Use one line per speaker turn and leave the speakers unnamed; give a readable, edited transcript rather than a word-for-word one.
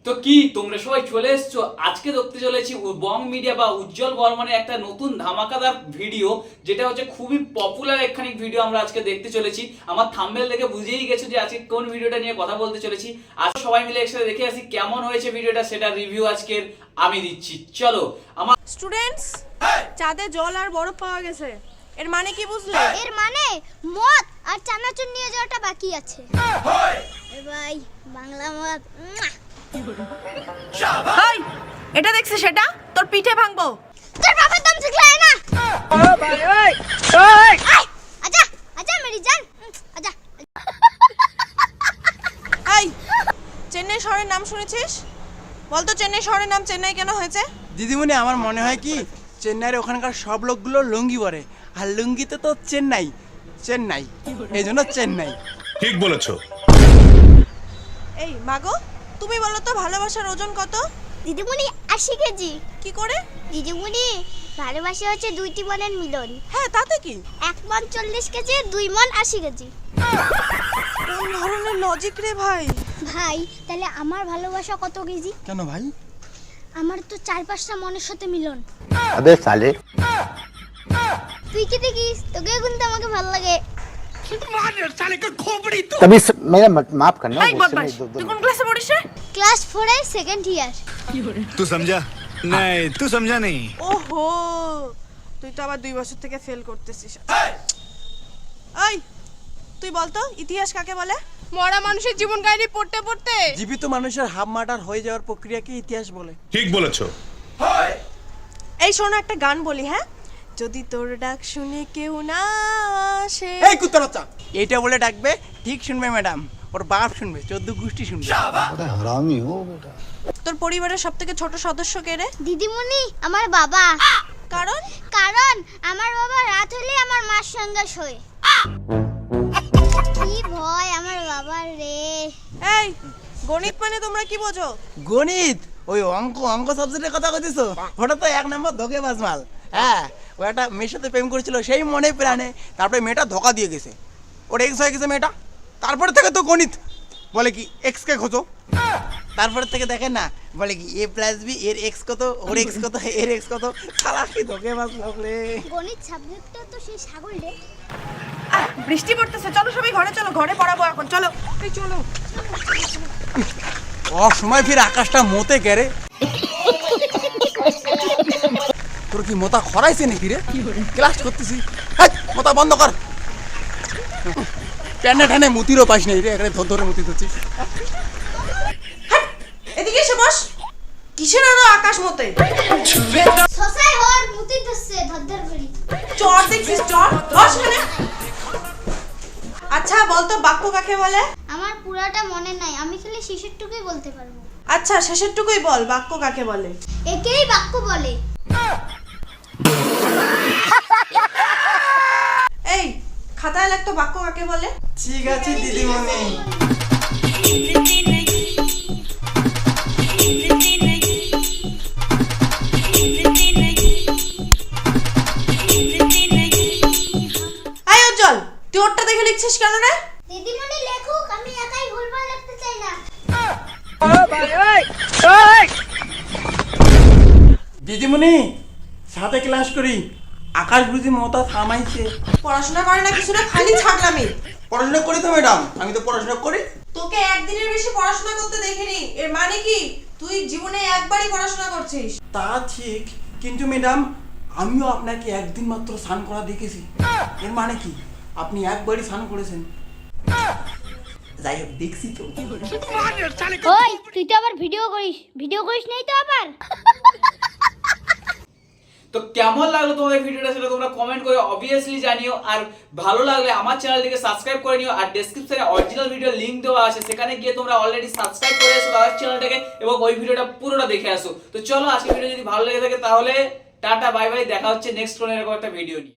তো কি তোমরা সবাই চলে এসছো, আজকে দেখতে চলেছি বং মিডিয়া বা উজ্জ্বল বর্মনের একটা নতুন ধামাকাদার ভিডিও, যেটা হচ্ছে খুবই পপুলার একখানি ভিডিও আমরা আজকে দেখতে চলেছি। আমার থাম্বনেল দেখে বুঝেই গেছো যে আজকে কোন ভিডিওটা নিয়ে কথা বলতে চলেছি। আজ সবাই মিলে একসাথে দেখে আসি কেমন হয়েছে ভিডিওটা, সেটা রিভিউ আজকের আমি দিচ্ছি। চলো। আমার
স্টুডেন্টস, চাঁদে জল আর বরফ পাওয়া গেছে, এর মানে কি বুঝলে?
এর মানে মদ আর চানাচুর নিয়ে যাওয়াটা বাকি আছে। এ ভাই বাংলা মদ।
হাই, এটা দেখছিস? সেটা তোর পিঠে ভাঙবো।
তোর বাবার দম শিখলে না।
ও ভাই ওই ওই
আচ্ছা আচ্ছা মেরি জান আচ্ছা।
এই, চেন্নাই শহরের নাম শুনেছিস? বলতো চেন্নাই শহরের নাম চেন্নাই কেন হয়েছে?
দিদিমণি, আমার মনে হয় কি চেন্নাইয়ের ওখানকার সব লোকগুলো লুঙ্গি পরে, আর লুঙ্গিতে তো চেন্নাই চেন্নাই, এই জন্য চেন্নাই।
ঠিক বলেছো।
এই মাগো, তুমি বলো তো ভালোবাসার ওজন কত?
দিদিমণি 80 কেজি।
কি করে?
দিদিমণি ভালোবাসা হচ্ছে দুইটি মনের মিলন।
হ্যাঁ, তাতে কি?
1 মন 40 কেজি, 2 মন 80 কেজি।
কোন ধরনের লজিক রে ভাই?
ভাই তাহলে আমার ভালোবাসা কত কেজি?
কেন ভাই?
আমার তো 4-5টা মনের সাথে মিলন।
अबे साले
তুই কি দেখিস? তোকে কিন্তু আমাকে ভালো লাগে।
तभी मेरा माफ करना
এই বদমাশ, তুই কোন ক্লাসে পড়িস রে?
ক্লাস 4 এর সেকেন্ড ইয়ার।
तू समझा नहीं, तू समझा नहीं।
ওহো, তুই তো আবার 2 বছর থেকে ফেল করতেছিস। এই, তুই বলতো ইতিহাস কাকে বলে? মরা মানুষের জীবন কাহিনী পড়তে পড়তে
জীবিত মানুষের হাফ মার্টার হয়ে যাওয়ার প্রক্রিয়াকে ইতিহাস বলে।
ঠিক বলেছো।
এই শোনো, একটা গান বলি, হ্যাঁ? যদি তোর ডাক শুনে কেউ না আসে।
এই কুত্তা বাচ্চা, এইটা বলে ডাকবে, ঠিক শুনবে ম্যাডাম, ওর বাপ শুনবে, 14 গোষ্ঠী শুনবে।
हरामी हो बेटा।
তোর পরিবারের সবথেকে ছোট সদস্য কে রে?
দিদিমণি আমার বাবা।
কারণ
কারণ আমার বাবা রাত হলে আমার মার সঙ্গে শোয়। কি ভয় আমার বাবার রে।
এই, গণিত মানে তোমরা কি বোঝো?
গণিত ওই অঙ্ক অঙ্ক সাবজেক্টের কথা কইতেছো? ওটা তো 1 নম্বর ধোঁকেবাজ মাল। হ্যাঁ, ও একটা মেয়ের সাথে প্রেম করেছিল সেই মনে প্রাণে, তারপরে মেয়েটা ধোঁকা দিয়ে গেছে, ওর এক্স হয়ে গেছে মেয়েটা। তারপরে থেকে তো গণিত বলে কি এক্স কে খোঁজো, তারপরে থেকে দেখেন না, বলে কি a + b এর এক্স কত, ওর এক্স কত, এর এক্স কত। শালা কি ধোঁকেবাজ লোক রে।
গণিত সাবজেক্টটা তো সেই ছাগল রে।
বৃষ্টি পড়তেছে, চলো সবাই ঘরে চলো, ঘরে পড়াবো এখন, চলো। এই চলো।
সময় ফির আকাশটা মতে কেরে। তোর কি মোতা খরাইছে নাকি রে? ক্লাস করতেছি, মোতা বন্ধ কর। প্যানে ঠানে মুতিরও পাস নাই রে, এখানে ধরে মুতি ধরছিস।
এদিকে এসে বস। কিসের আরো আকাশ মতে?
সসাই হর মুতি ধরছে ধরধর করি।
চর দেখছিস? চর বস এখানে। আচ্ছা বলতো বাক্য কাকে বলে?
আমার পুরাটা মনে নাই, আমি খালি শেষেরটুকুই বলতে পারবো।
আচ্ছা শেষেরটুকুই বল, বাক্য কাকে বলে?
একেই বাক্য বলে।
এই, খাতায় লিখতো বাক্য কাকে বলে?
ঠিক আছে দিদিমণি।
আয় উজ্জ্বল, তুই ওরটা দেখে লিখছিস কেন রে?
দিদিমণি লেখুক, আমি একাই ভুলভাল লিখতে চাই না।
দিদিমণি সাথে ক্লাস করি, আকাশ বুঝি মোতা থামাইছে।
পড়াশোনা করে না কিছু না, খালি ছাগলামি।
পড়াশোনা করি তো ম্যাডাম, আমি তো পড়াশোনা করি।
তোকে একদিনের বেশি পড়াশোনা করতে দেখিনি, এর মানে কি তুই জীবনে একবারই পড়াশোনা করছিস?
তা ঠিক, কিন্তু ম্যাডাম আমিও আপনাকে একদিন মাত্র স্নান করা দেখেছি। এর মানে কি আপনি একবারই স্নান করেছেন? যাই হোক, দেখছি তো।
ওই তুই তো আবার ভিডিও করিস নাই তো আবার?
তো কেমন লাগলো তোমাদের ভিডিওটা সেটা তোমরা কমেন্ট করে অবভিয়াসলি জানিও। আর ভালো লাগলে আমার চ্যানেলটিকে সাবস্ক্রাইব করে নিও, আর ডেসক্রিপশনে অরিজিনাল ভিডিও লিংক দেওয়া আছে, সেখানে গিয়ে তোমরা অলরেডি সাবস্ক্রাইব করে এসো তাদের চ্যানেলটাকে এবং ওই ভিডিওটা পুরোটা দেখে আসো। তো চলো, আজকে ভিডিও যদি ভালো লেগে থাকে তাহলে টাটা বাই বাই, দেখা হচ্ছে নেক্সট কোনো এরকম একটা ভিডিও নিয়ে।